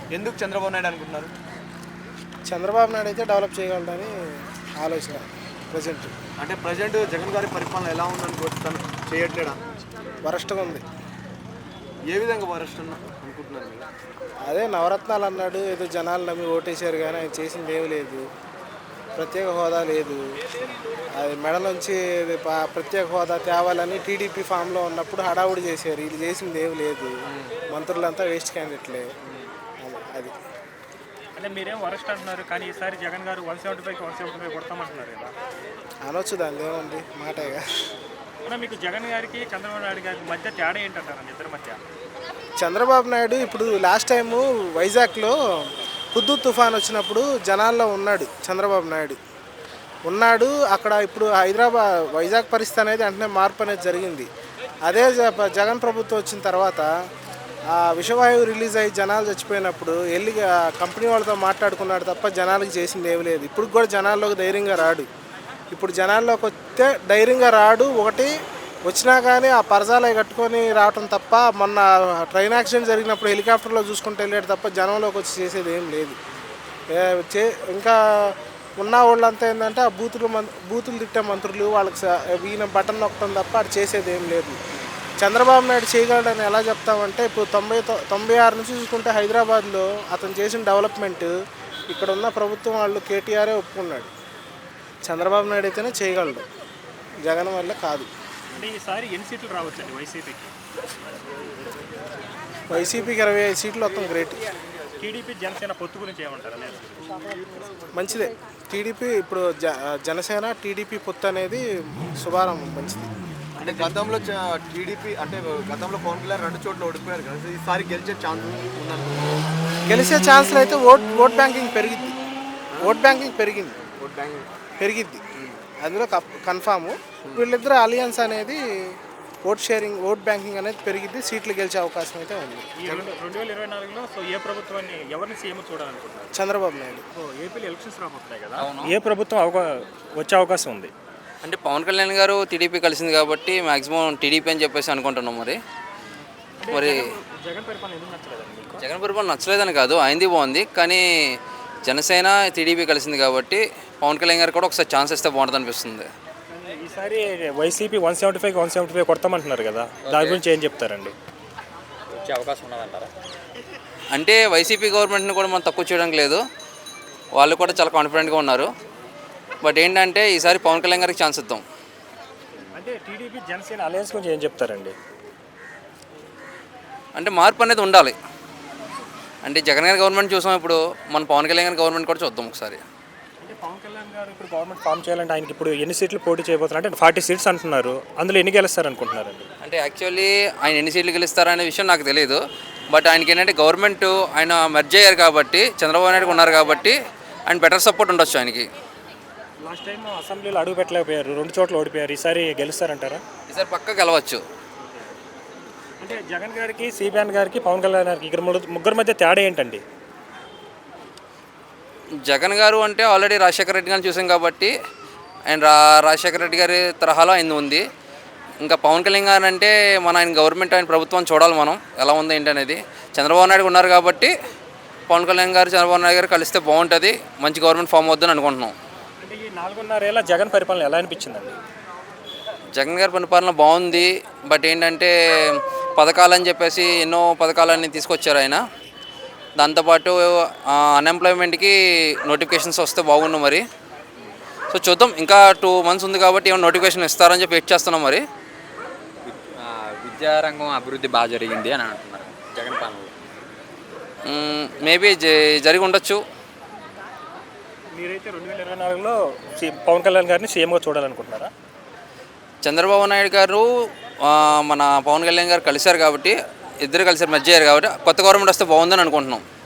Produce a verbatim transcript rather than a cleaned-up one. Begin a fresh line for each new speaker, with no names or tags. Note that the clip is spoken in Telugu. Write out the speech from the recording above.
ఎందుకు చంద్రబాబు నాయుడు అనుకుంటున్నారు?
చంద్రబాబు నాయుడు అయితే డెవలప్ చేయగలడని ఆలోచన ప్రజెంట్.
అంటే ప్రజెంట్ జగన్ గారి పరిపాలన ఎలా ఉందనుకోవచ్చు, తను చేయట్లేడా?
వరస్ట్గా ఉంది.
ఏ విధంగా వరస్ట్ అనుకుంటున్నారు మీరు?
అదే నవరత్నాలు అన్నాడు, ఏదో జనాలు నమ్మి ఓటేశారు, కానీ ఆయన చేసింది ఏమీ లేదు. ప్రత్యేక హోదా లేదు. అది మెడలోంచి ప్రత్యేక హోదా తేవాలని టీడీపీ ఫామ్లో ఉన్నప్పుడు హడావుడి చేశారు. వీళ్ళు చేసింది ఏమి లేదు. మంత్రులంతా వేస్ట్ క్యాండిడేట్లే. అది
అంటే మీరేం వరస్ట్ అంటున్నారు, కానీ ఈసారి జగన్ గారు one seventy five one seventy five కొడతామంటున్నారు కదా.
అనొచ్చు, దాని ఏముంది, మాటేగా.
అంటే మీకు జగన్ గారికి చంద్రబాబు నాయుడు గారికి మధ్య తేడా ఏంటంటారు ఇద్దరి మధ్య?
చంద్రబాబు నాయుడు ఇప్పుడు లాస్ట్ టైము వైజాగ్లో హుద్దూద్ తుఫాన్ వచ్చినప్పుడు జనాల్లో ఉన్నాడు. చంద్రబాబు నాయుడు ఉన్నాడు అక్కడ. ఇప్పుడు హైదరాబాద్ వైజాగ్ పరిస్థితి అనేది వెంటనే మార్పు అనేది జరిగింది. అదే జగన్ ప్రభుత్వం వచ్చిన తర్వాత ఆ విషవాయువు రిలీజ్ అయ్యి జనాలు చచ్చిపోయినప్పుడు వెళ్ళి కంపెనీ వాళ్ళతో మాట్లాడుకున్నాడు తప్ప జనాలకు చేసింది ఏమి లేదు. ఇప్పుడు కూడా జనాల్లోకి ధైర్యంగా రాడు. ఇప్పుడు జనాల్లోకి వస్తే ధైర్యంగా రాడు. ఒకటి వచ్చినా కానీ ఆ పరదాలు కట్టుకొని రావటం తప్ప, మొన్న ట్రైన్ యాక్సిడెంట్ జరిగినప్పుడు హెలికాప్టర్లో చూసుకుంటూ వెళ్ళాడు తప్ప జనంలోకి వచ్చి చేసేది ఏం లేదు. చే ఇంకా ఉన్న వాళ్ళంతా ఏంటంటే ఆ బూతులు మం బూతులు తిట్టే మంత్రులు వాళ్ళకి ఈయన బటన్ నొక్కడం తప్ప అది చేసేది ఏం లేదు. చంద్రబాబు నాయుడు చేయగలడని ఎలా చెప్తామంటే, ఇప్పుడు తొంభై తొంభై ఆరు నుంచి చూసుకుంటే హైదరాబాద్లో అతను చేసిన డెవలప్మెంట్ ఇక్కడ ఉన్న ప్రభుత్వం వాళ్ళు కేటీఆరే ఒప్పుకున్నాడు. చంద్రబాబు నాయుడు అయితేనే చేయగలడు, జగన్ వల్ల కాదు.
అంటే ఈసారి ఎన్ని సీట్లు రావచ్చండి వైసీపీకి?
వైసీపీకి ఇరవై ఐదు సీట్లు మొత్తం గ్రేట్.
టీడీపీ జనసేన పొత్తు గురించి ఏమంటారు?
మంచిదే. టీడీపీ ఇప్పుడు జ జనసేన టీడీపీ పొత్తు అనేది శుభారంభం, మంచిది.
అంటే గతంలో టీడీపీ అంటే గతంలో పవన్ కళ్యాణ్ రెండు చోట్ల ఓడిపోయారు కదా, ఈసారి గెలిచే ఛాన్స్ ఉందనుకుంటున్నారు?
గెలిచే ఛాన్స్లు అయితే ఓట్ ఓట్ బ్యాంకింగ్ పెరిగిద్ది. ఓట్ బ్యాంకింగ్ పెరిగింది
ఓట్ బ్యాంకింగ్
పెరిగిద్ది అందులో కన్ఫాము. వీళ్ళిద్దరు అలియన్స్ అనేది ఓట్ షేరింగ్ ఓట్ బ్యాంకింగ్ అనేది పెరిగిద్ది. సీట్లు గెలిచే అవకాశం అయితే ఉంది.
రెండు వేల ఇరవై నాలుగులో సో ఏ ప్రభుత్వాన్ని ఎవరిని సీఎం చూడాలనుకుంటున్నారు?
చంద్రబాబు నాయుడు.
ఏపీలో ఎలక్షన్స్ రాబోతున్నాయి కదా, ఏ ప్రభుత్వం అవకా వచ్చే అవకాశం ఉంది?
అంటే పవన్ కళ్యాణ్ గారు టీడీపీ కలిసింది కాబట్టి మ్యాక్సిమం టీడీపీ అని చెప్పేసి అనుకుంటున్నాం. మరి మరి
జగన్ పరిపాలన ఎందుకు నచ్చలేదండి?
జగన్ పరిపాలన నచ్చలేదని కాదు, అయింది బాగుంది. కానీ జనసేన టీడీపీ కలిసింది కాబట్టి పవన్ కళ్యాణ్ గారు కూడా ఒకసారి ఛాన్స్ ఇస్తే బాగుంటుంది అనిపిస్తుంది.
ఈసారి YCP one seventy five one seventy five కొడతామంటున్నారు కదా, దాని గురించి ఏం చెప్తారండి?
వచ్చే అవకాశం ఉన్నదంటారా? అంటే వైసీపీ గవర్నమెంట్ని కూడా మనం తక్కువ చేయడానికి లేదు, వాళ్ళు కూడా చాలా కాన్ఫిడెంట్గా ఉన్నారు. బట్ ఏంటంటే ఈసారి పవన్ కళ్యాణ్ గారికి ఛాన్స్ ఇద్దాం.
అంటే టీడీపీ జనసేన అలయన్స్ గురించి ఏం చెప్తారండి?
అంటే మార్పు అనేది ఉండాలి. అంటే జగన్ గారి గవర్నమెంట్ చూసాం, ఇప్పుడు మన పవన్ కళ్యాణ్ గారి గవర్నమెంట్ కూడా చూద్దాం ఒకసారి.
అంటే పవన్ కళ్యాణ్ గారు ఇప్పుడు గవర్నమెంట్ ఫామ్ చేయాలంటే ఆయనకి ఇప్పుడు ఎన్ని సీట్లు పోటీ చేయబోతున్నారు? అంటే ఫార్టీ సీట్స్ అంటున్నారు, అందులో ఎన్ని గెలుస్తారు అనుకుంటున్నారండి?
అంటే యాక్చువల్లీ ఆయన ఎన్ని సీట్లు గెలుస్తారనే విషయం నాకు తెలియదు. బట్ ఆయనకి ఏంటంటే గవర్నమెంట్ ఆయన మెర్జ్ అయ్యారు కాబట్టి, చంద్రబాబు నాయుడు ఉన్నారు కాబట్టి ఆయన బెటర్ సపోర్ట్ ఉండొచ్చు ఆయనకి.
లాస్ట్ టైం అసెంబ్లీలో అడుగు పెట్టలేకపోయారు, రెండు చోట్ల ఓడిపోయారు. ఈసారి గెలుస్తారంటారా?
ఈసారి పక్క గెలవచ్చు.
అంటే జగన్ గారికి, సిబిఎన్ గారికి, పవన్ కళ్యాణ్ గారికి ఇక్కడ ముగ్గురు మధ్య తేడా ఏంటండి?
జగన్ గారు అంటే ఆల్రెడీ రాజశేఖర రెడ్డి గారిని చూసాం కాబట్టి ఆయన రా రాజశేఖర రెడ్డి గారి తరహాలో ఆయన ఉంది. ఇంకా పవన్ కళ్యాణ్ గారు అంటే మన ఆయన గవర్నమెంట్ ఆయన ప్రభుత్వం చూడాలి మనం ఎలా ఉంది ఏంటి అనేది. చంద్రబాబు నాయుడు ఉన్నారు కాబట్టి పవన్ కళ్యాణ్ గారు చంద్రబాబు నాయుడు గారు కలిస్తే బాగుంటుంది, మంచి గవర్నమెంట్ ఫామ్ అవుతుందని అనుకుంటున్నాం.
అంటే ఈ నాలుగున్నరేళ్ళ జగన్ పరిపాలన ఎలా అనిపించిందండి?
జగన్ గారి పరిపాలన బాగుంది. బట్ ఏంటంటే పథకాలని చెప్పేసి ఎన్నో పథకాలన్నీ తీసుకొచ్చారు ఆయన. దాంతోపాటు అన్ఎంప్లాయ్మెంట్కి నోటిఫికేషన్స్ వస్తే బాగుండు మరి. సో చూద్దాం, ఇంకా టూ మంత్స్ ఉంది కాబట్టి ఏమైనా నోటిఫికేషన్ ఇస్తారని చెప్పి వెయిట్ చేస్తున్నాం. మరి
విద్యారంగం అభివృద్ధి బాగా జరిగింది అని అంటున్నారు జగన్ పాలనలో.
మేబీ జరిగి ఉండొచ్చు.
మీరైతే రెండు వేల ఇరవై నాలుగులో పవన్ కళ్యాణ్ గారిని సీఎంగా చూడాలనుకుంటున్నారా?
చంద్రబాబు నాయుడు గారు మన పవన్ కళ్యాణ్ గారు కలిశారు కాబట్టి, ఇద్దరు కలిసారు, మధ్య అయ్యారు కాబట్టి కొత్త గవర్నమెంట్ వస్తే బాగుందని అనుకుంటున్నాం.